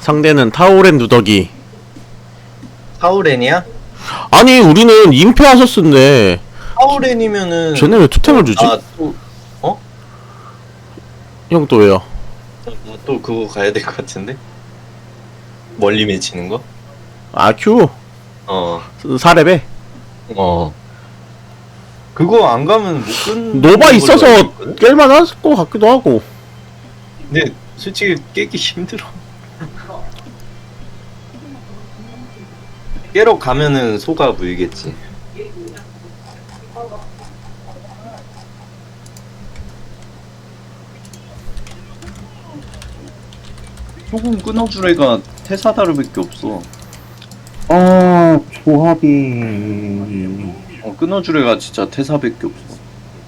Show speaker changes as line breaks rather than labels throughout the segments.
상대는 타오렌 누더기.
타우렌이야?
아니 우리는 임페 아서스인데
타우렌이면은
쟤네 왜 투템을 주지?
또 어?
형 또 왜요?
또 그거 가야 될 것 같은데? 멀리 맺히는 거?
아큐
어.
4렙에
어. 그거 안 가면 못 끊는
노바
걸로
있어서
알고 있거든?
깰만할 것 같기도 하고.
근데 솔직히 깨기 힘들어. 깨러 가면은 소가 물겠지.
조금 끊어줄 애가 테사다르밖에 없어.
아, 조합이.
끊어줄 애가 진짜 테사밖에 없어.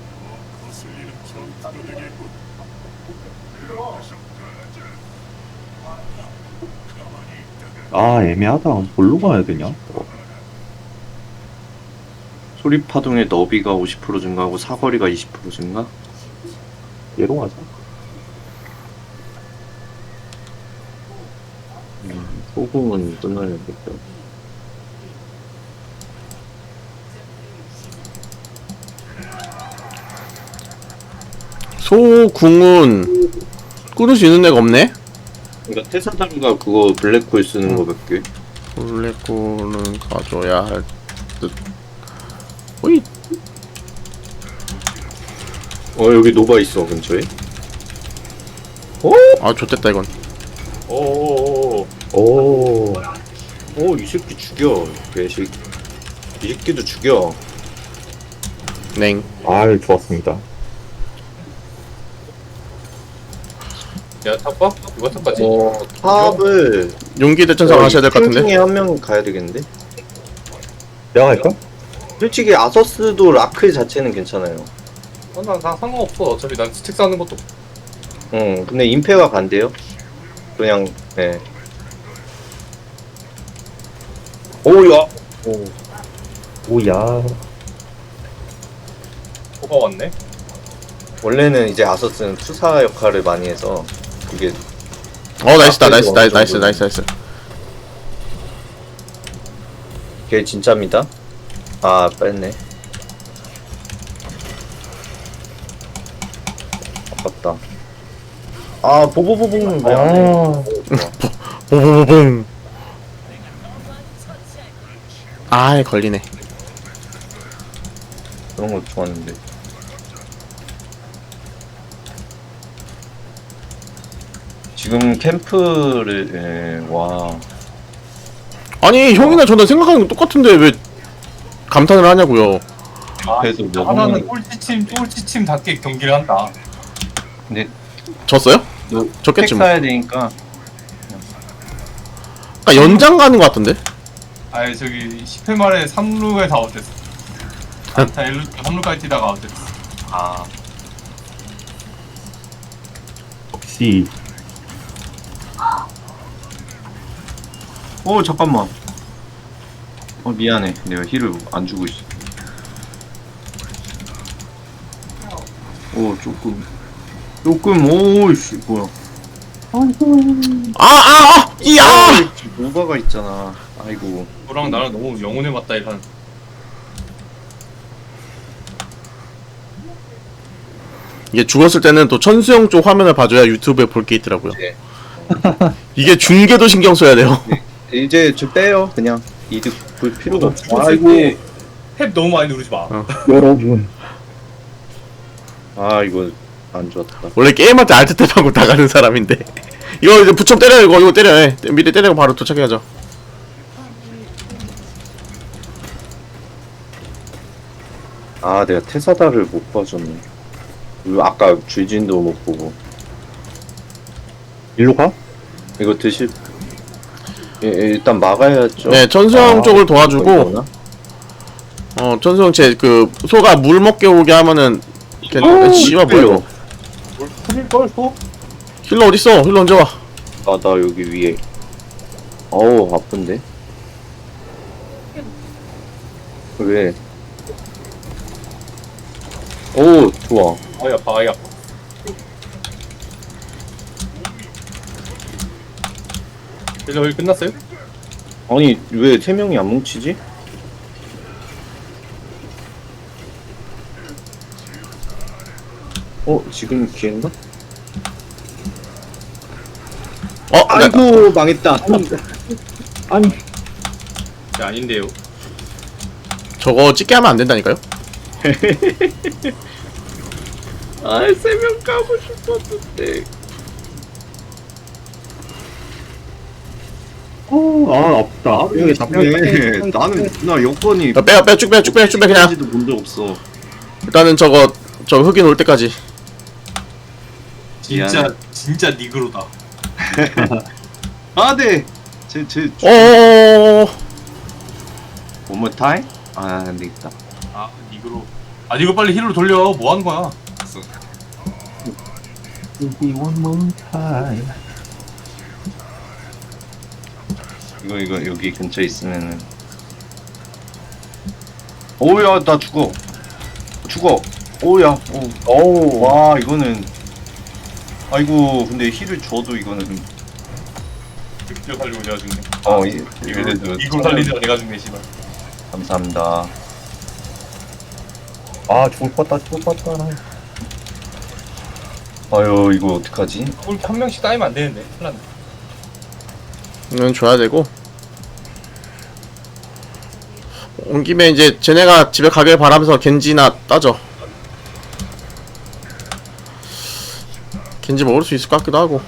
아, 애매하다. 뭘로 가야 되냐?
소리파동의 너비가 50% 증가하고 사거리가 20% 증가?
얘로 가자.
소금은 끊어야겠다.
소궁은 끊을 수 있는 애가 없네?
그러니까 테사다르가 그거 블랙홀 쓰는 거밖에.
블랙홀은 가져야 할 듯. 오이.
여기 노바 있어 근처에.
아 좋댔다 이건.
오. 이 새끼 죽여. 개새끼. 이 새끼도 죽여.
냉.
아, 좋았습니다.
야 탑바? 이거 탑바지?
탑을
용기 대천사 하셔야 될 것
팀
같은데.
중에 한 명 가야 되겠는데?
내가 갈까?
솔직히 아서스도 라크 자체는 괜찮아요.
난 상관없어. 어차피 난 스택 쌓는 것도.
근데 임페가 간대요. 그냥 네. 오야.
오야.
뭐가 왔네?
원래는 이제 아서스는 투사 역할을 많이 해서 그게
나이스다 나이스.
걔 진짜입니다. 아 뺐네. 아깝다. 아 보보보보는 왜 안 해?
보보보봉. 아이 걸리네.
그런 거 좋았는데. 지금 캠프를 와.
아니 형이나 저나 생각하는 건 똑같은데 왜 감탄을 하냐고요.
그래도 뭐
하나는 꼴찌팀답게 경기를 한다.
근데
졌어요?
너
졌겠지
택
뭐.
사야 되니까
그러니까 연장 가는 것 같은데.
아니 저기 10회 말에 3루에 다 어땠어? 다 3루까지 뛰다가 어땠어? 아
역시.
잠깐만. 미안해. 내가 힐을 안 주고 있어. 오이씨 뭐야.
이야.
노바가 있잖아. 아이고.
너랑 나랑 너무 영혼에 맞다 이런.
이게 죽었을 때는 또 천수형 쪽 화면을 봐줘야 유튜브에 볼 게 있더라고요.
네.
이게 중계도 신경 써야 돼요.
이제 좀 빼요. 그냥 이득 볼 필요가 없어.
아이고 탭 너무 많이 누르지 마.
여러분.
아 이거 안 좋았다.
원래 게임할 때 알트 탭하고 다 가는 사람인데. 이거 이제 부첨 때려 이거 때려. 미리 때리고 바로 도착해야죠.
아 내가 테사다를 못 봐줬네. 그리고 아까 줄진도 못 보고.
일로 가?
이거 드실. 일단 막아야죠.
네, 천수형 쪽을 도와주고.
이거나?
천수형 제 그 소가 물 먹게 오게 하면은 씨발 뭐야 이거.
풀릴걸, 소?
힐러 어딨어? 힐러 언제 와?
나 여기 위에. 어우 아픈데. 왜? 오 좋아.
아이 아파 아이 아파.
여기 끝났어요?
아니 왜 3명이 안 뭉치지? 지금 기회인가? 아이고 망했다.
아니
네, 아닌데요.
저거 찍게 하면 안 된다니까요?
아 3명 까고 싶었는데.
아 아프다.
여기 답해. 나는 나 여건이
야, 빼요 쭉 빼 그냥.
지도 본 적 없어.
일단은 저 흑인 올 때까지.
진짜 니그로다.
아 네. 제
어어어어.
one more time? 아 안되겠다.
아 니그로. 아 니그 빨리 힐로 돌려. 뭐 하는 거야?
one more time.
이거 여기 근처에 있으면은. 오야 나 죽어. 오야.
오.
와 이거는. 아이고 근데 힐을 줘도 이거는.
늑대 살리고 내가 죽네.
이래도
니그로 살리다가 내가 죽네 씨발.
감사합니다.
아 죽을 것 같다.
아유 이거 어떡하지?
이렇게 한 명씩 따이면 안 되는데. 큰일 났네.
이건 줘야 되고. 온 김에 이제 쟤네가 집에 가길 바라면서 겐지나 따져. 겐지 먹을 수 있을 것 같기도 하고.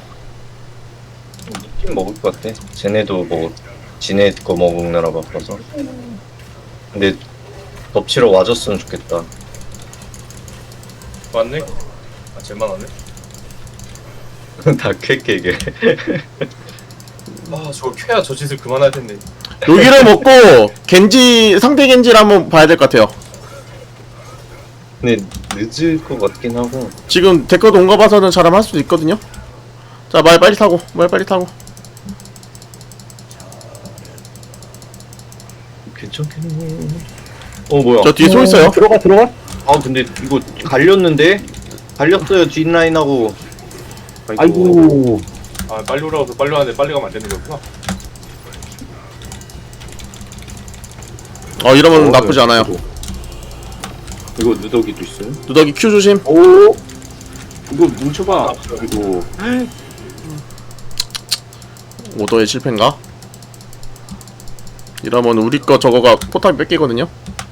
느낌 먹을 것 같아. 쟤네도 지네 거 먹느라 바빠서. 근데 덮치러 와줬으면 좋겠다.
왔네? 아 쟤만 왔네?
다 쾌깨게.
아 저거 쾌야 저 짓을 그만할 텐데.
여기를 먹고 상대 겐지를 한번 봐야 될 것 같아요.
근데 늦을 것 같긴 하고.
지금 데커도 온 거 봐서는 잘하면 할 수도 있거든요. 자, 말 빨리 타고.
괜찮겠네. 뭐야?
저 뒤에 소 있어요.
들어가.
아 근데 이거 갈렸는데? 갈렸어요 뒷라인하고.
아이고.
아 빨리 오라고 빨리 왔는데 빨리 가면 안 되는 거구나.
이러면 나쁘지 않아요.
이거 누더기도 있어요?
누더기 큐 조심.
오 이거 뭉쳐봐. 이거
오더의 실패인가? 이러면 우리 거 저거가 포탑이 뺏기거든요.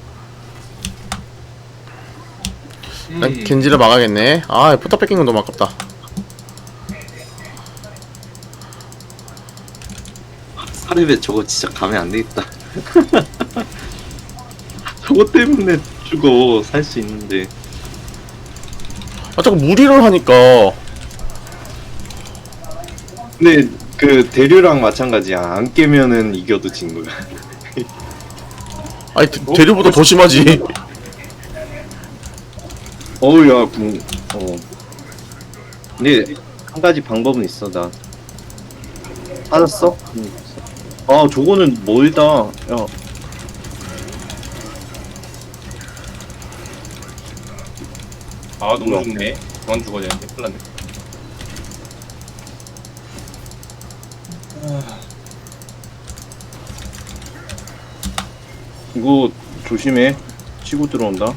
난 겐지를 막아야겠네. 포탑 뺏긴 건 너무 아깝다.
사례배 저거 진짜 가면 안 되겠다. 저거 때문에 죽어. 살 수 있는데.
자꾸 무리를 하니까.
근데 그 대류랑 마찬가지야. 안 깨면은 이겨도 진 거야.
대류보다 더 심하지.
어우야 근데 한 가지 방법은 있어. 나 찾았어? 저거는 멀다. 야
아 너무 죽네. 그만 죽어야 되는데. 큰일 났네.
이거 조심해. 치고 들어온다.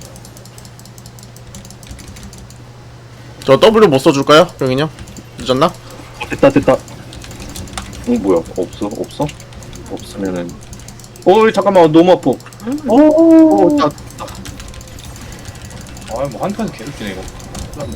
저 W 못 써줄까요? 병인형? 늦었나?
됐다.
뭐야? 없어? 없으면은. 잠깐만 너무 아파.
아뭐 한타에서 계속 지네 이거. 큰일 났네.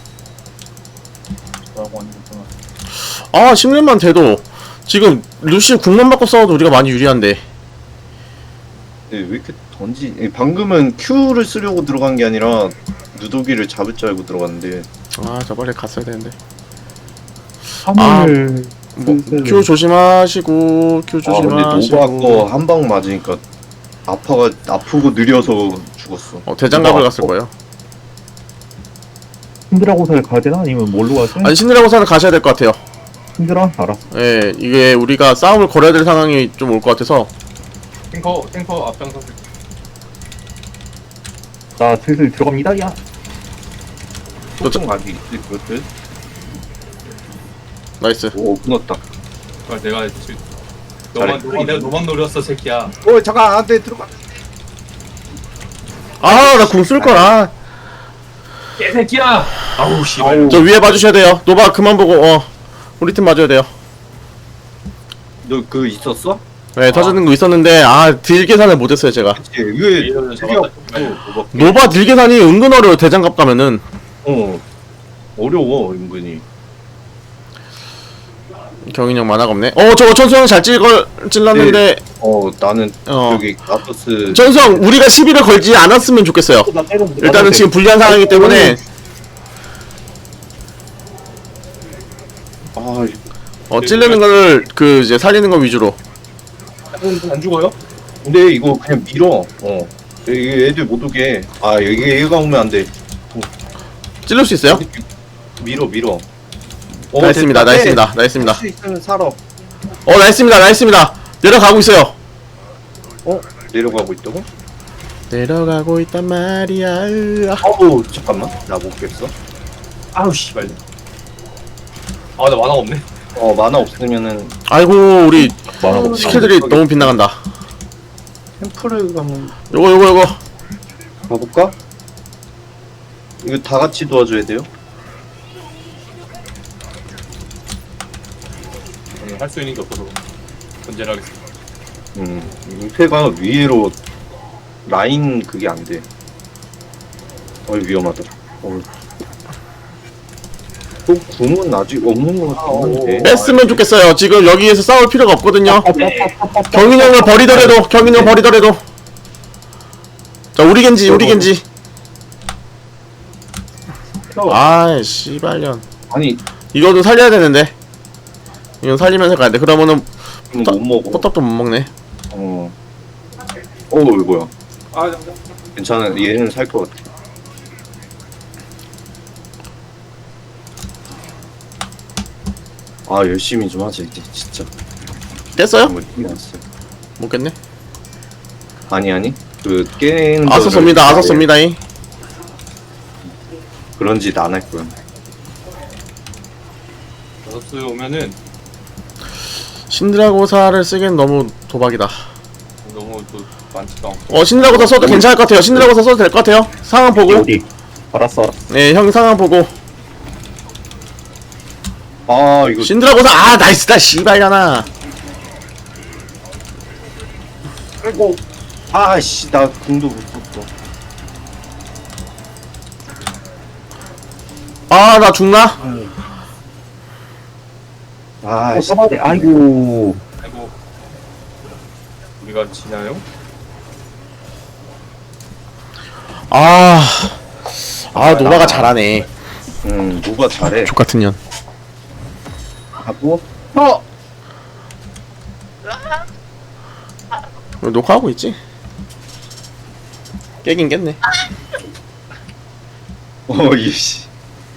뭐라고 하는 거구나.
10렙만 돼도 지금 루시 궁만 받고 싸워도 우리가 많이 유리한데.
왜 이렇게 방금은 Q를 쓰려고 들어간 게 아니라 누더기를 잡을 줄 알고 들어갔는데.
저 빨리 갔어야 되는데.
하늘.
Q 조심하시고.
근데 노바 거 한 방 맞으니까 아프고 느려서 죽었어.
대장갑을 갔을 거예요.
신드라고사를 가야 되나? 아니면 뭘로 가지?
신드라고사를 가셔야 될 것 같아요.
신드라? 알았어.
예, 이게 우리가 싸움을 걸어야 될 상황이 좀 올 것 같아서.
탱커 앞장서.
나 슬슬 들어갑니다. 야.
소통 각이 있을 것.
나이스.
오 끊었다.
그걸 내가 지금 내가 너만 노렸어 새끼야.
잠깐 안돼 들어가.
아, 나 궁 쓸 거라.
개새끼야. 아우 씨발.
저 위에 봐주셔야 돼요. 노바 그만 보고 우리 팀 맞아야 돼요.
너 그 있었어?
네, 터지는 거 있었는데 딜 계산을 못했어요 제가.
그치. 이게
이거는
되게
잡았다.
없고
노바 딜 계산이 은근 어려워. 대장갑 가면은.
어려워 은근히.
경인이 형 만화가 없네. 저거 천수형 잘 찔렀는데.
나는
어.
여기 나토스
천수형 우리가 시비를 걸지 않았으면 좋겠어요. 일단은 지금 불리한 상황이기 때문에 찔르는 거를 이제 살리는 거 위주로.
안 죽어요? 근데 이거 그냥 밀어. 이게 애들 못 오게. 여기 얘가 오면 안 돼.
찔릴 수 있어요?
밀어.
나이스입니다.
됐다.
나이스입니다. 나이스입니다.
할수 있으면 살아.
나이스입니다. 나이스입니다. 내려가고 있어요.
내려가고 있다고?
내려가고 있단 말이야.
잠깐만. 나 못 깼어.
아우 씨발. 나 만화가 없네.
만화 없으면은
아이고 우리
만화가
스킬들이 너무 빗나간다.
템플을 가면
요거
가볼까? 이거 다 같이 도와줘야 돼요?
저는 할 수 있는 게 없어서 견제를 하겠습니다.
임페가 위로 라인 그게 안 돼. 위험하다. 또 궁은 아직 없는 것 같은데.
뺐으면 좋겠어요. 지금 여기에서 싸울 필요가 없거든요. 경인 형을 버리더라도 자 우리 겐지 아이 씨발년.
아니
이거도 살려야 되는데. 이건 살리면서 가야 돼. 그러면은
이거 못 먹어.
포탑도 못 먹네.
이거 뭐야? 괜찮아. 얘는 살 것 같아. 열심히 좀 하자 이제 진짜.
깼어요?
힘이 났어요.
못 깼네.
아니 그 깨는
아서 쏩니다. 아서 쏩니다.
그런 짓 안 할 거야.
다섯수 오면은
신드라고사를 쓰기엔 너무 도박이다.
너무 또 많지도 않고.
신드라고사 써도 괜찮을 것 같아요. 신드라고사 써도 될 것 같아요. 상황 보고.
어디? 알았어.
네, 형 상황 보고.
이거
신드라고사 나이스다 씨발려나.
아이고. 나 궁도 못 썼어.
나 죽나?
잡아야 아이고.
아이고. 우리가 지나요?
노바가 잘하네.
누가 잘해.
족같은 년.
하고
녹화하고 있지? 깨긴 깼네.
이씨.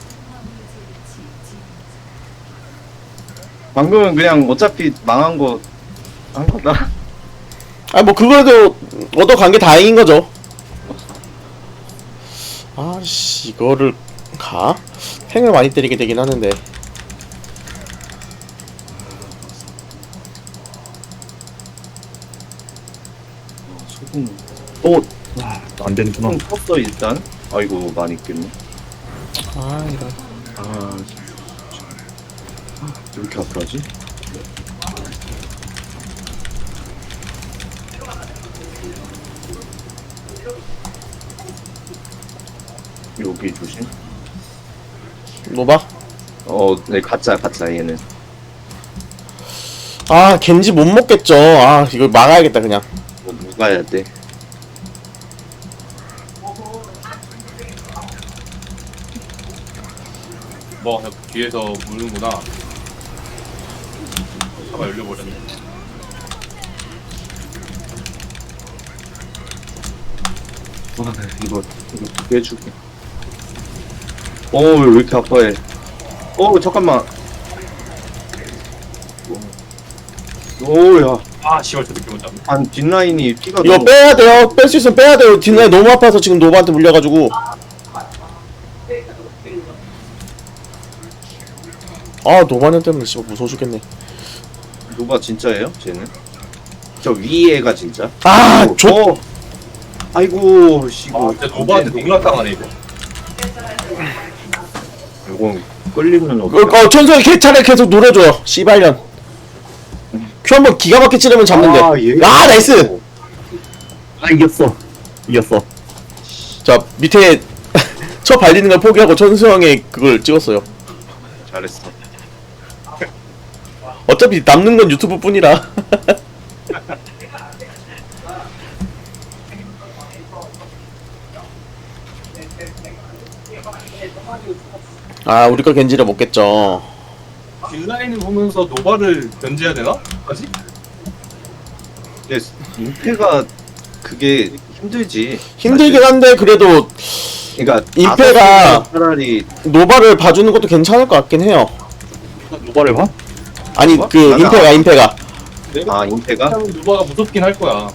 방금은 그냥 어차피 망한 거 한 거다.
뭐 그거라도 얻어간 게 다행인 거죠. 이거를 가? 탱을 많이 때리게 되긴 하는데.
소금
안 되는구나.
소금 썼어 일단. 아이고 많이 깼네.
이런.
왜 이렇게 아프하지? 여기 조심.
노바?
네 가짜 얘는.
겐지 못 먹겠죠. 이거 막아야겠다 그냥.
누가야 돼?
뒤에서 무는구나. 차가 열려버렸네.
이거 깨줄게. 왜 이렇게 아파해? 잠깐만. 야.
씨발 저 느낌 못 잡네.
뒷라인이 피가
이거
너무.
빼야 돼요. 뺄 수 있으면 빼야 돼요. 뒷라인 너무 아파서 지금 노바한테 물려가지고. 노바는 때문에 씨발 무서워 죽겠네.
노바 진짜예요? 쟤는? 저 위에가 진짜?
아,
아이고 이거
진짜 노바한테 농락당하네 이거.
이건 끌리면
천성이 개차례 계속 노려줘요. 씨발년. 큐 한번 기가 막히게 찌르면 잡는데. 아, 나이스!
아, 이겼어. 이겼어.
자, 밑에 쳐 발리는 걸 포기하고 천수형의 그걸 찍었어요.
잘했어.
어차피 남는 건 유튜브 뿐이라. 아, 우리 거 겐지를 먹겠죠.
딜라인을 보면서 노바를 견제해야 되나? 까지?
근데 임페가 그게 힘들지.
힘들긴 한데, 그래도
그러니까
임페가
차라리
노바를 봐주는 것도 괜찮을 것 같긴 해요.
노바를 봐?
아니,
뭐?
그,
맞아.
임페가.
내가
임페가
노바가 무섭긴 할 거야.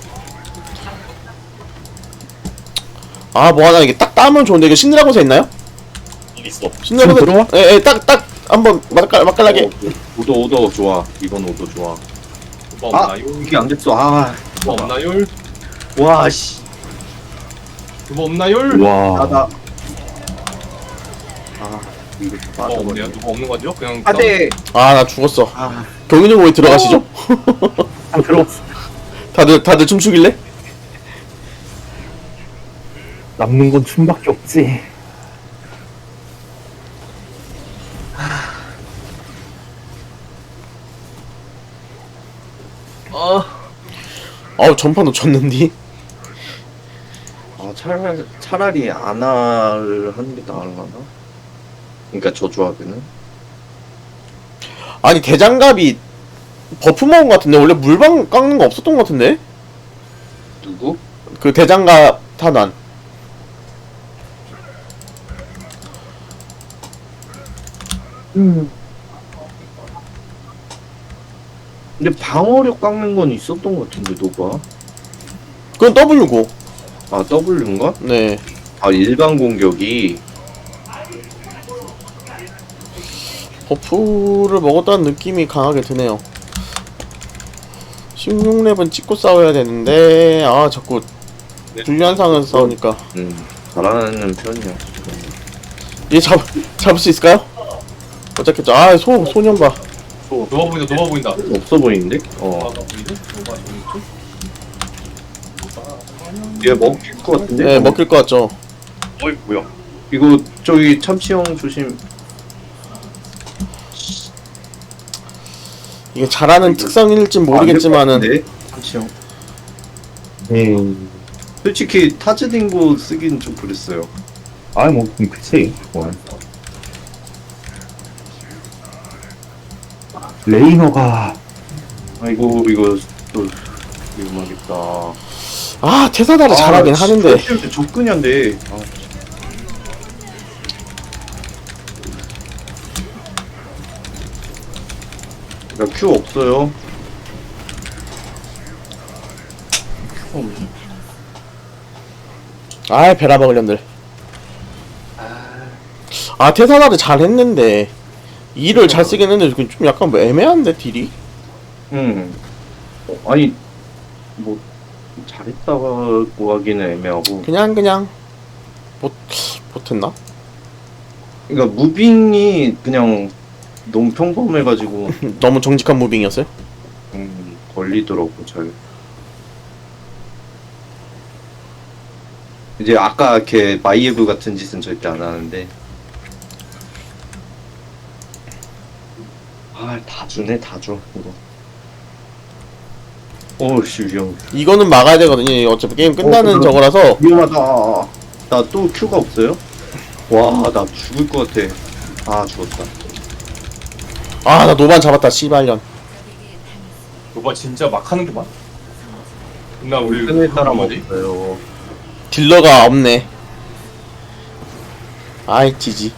아, 뭐 하나, 이게 딱 따면 좋은데, 이거 신드라고서 있나요?
있어.
신드라고서.
들어와?
예, 딱, 한번 맛깔나게.
오더 좋아. 이번 오더 좋아.
노바
아
없나요?
이게 안 됐어. 아
노바 없나요?
와씨
노바 없나요?
와.
나다. 아 이거
노바
빠져.
없네요. 노바 없는 거죠? 그냥
아대.
아, 나 죽었어.
아
경윤이 왜 들어가시죠?
아, 들어왔어.
다들 춤추길래?
남는 건 춤밖에 없지.
아우, 전파 놓쳤는디?
아 차라리 아나를 하는 게 나을라나? 그러니까 저 조합에는
아니, 대장갑이 버프 먹은 것 같은데? 원래 물방 깎는 거 없었던 것 같은데?
누구?
그 대장갑 탄환.
근데 방어력 깎는 건 있었던 것 같은데 노바.
그건 W고.
아 W인가?
네.
아 일반 공격이
버프를 먹었다는 느낌이 강하게 드네요. 16렙은 찍고 싸워야 되는데, 아, 자꾸 불리한 상황에서 싸우니까.
잘하는 편이야.
얘 잡을 수 있을까요? 못 잡겠죠. 아, 소년 봐.
노바 보인다. 노바 보인다.
없어 보이는데?
노바가 보이네? 노바 보이죠?
얘 먹힐 것 같은데?
네, 먹힐 것 같죠.
어이, 뭐야.
이거 저기 참치형 조심.
이게 잘하는 특성일진 모르겠지만은.
안 될 것 같은데? 참치형.
음.
솔직히 타즈딩고 쓰긴 좀 그랬어요.
아, 뭐, 그치. 뭐. 레이너가.
아이고 이거 또 위험하겠다.
아, 테사다를 잘하긴 하는데.
접근이 안 돼. 아, 나 큐 없어요.
아, 베라 먹으련들. 아, 테사다를 잘했는데. 이를 잘 쓰긴 했는데, 좀 약간 뭐 애매한데, 딜이?
아니 뭐 잘했다고 하기는 애매하고.
그냥. 못했나?
그러니까 무빙이 그냥 너무 평범해가지고
너무 정직한 무빙이었어요?
걸리더라고 잘. 이제 아까 걔 마이에브 같은 짓은 절대 안 하는데. 아 다 주네 다 줘 이거. 어씨 위험.
이거는 막아야 되거든요. 이거 어차피 게임 끝나는
그럼.
저거라서.
위험하다. 나 또 큐가 없어요? 와 나 죽을 것 같아. 아 죽었다.
아, 나 노반 잡았다, 씨발년.
노바 진짜 막 하는 게 많아. 나 우리
끈에 따라
뭐지?
먹어요.
딜러가 없네. 아이, 지지.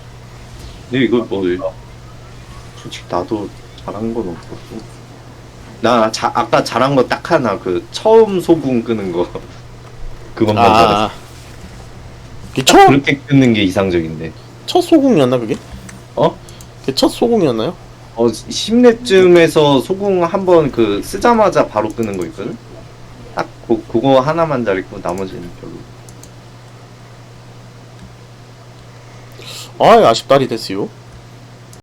근데 이거 뭐 솔직히 나도 잘한 건 없었고. 아까 잘한 거 딱 하나 그 처음 소금 끄는 거 그것만 잘했어.
아, 그게
딱 그렇게 끄는 게 이상적인데.
첫 소궁이었나 그게?
어?
그게 첫 소궁이었나요?
10렙쯤에서 소금 한번 그 쓰자마자 바로 끄는 거 있거든? 딱 그거 하나만 잘했고 나머지는 별로.
아, 아쉽다리 됐어요.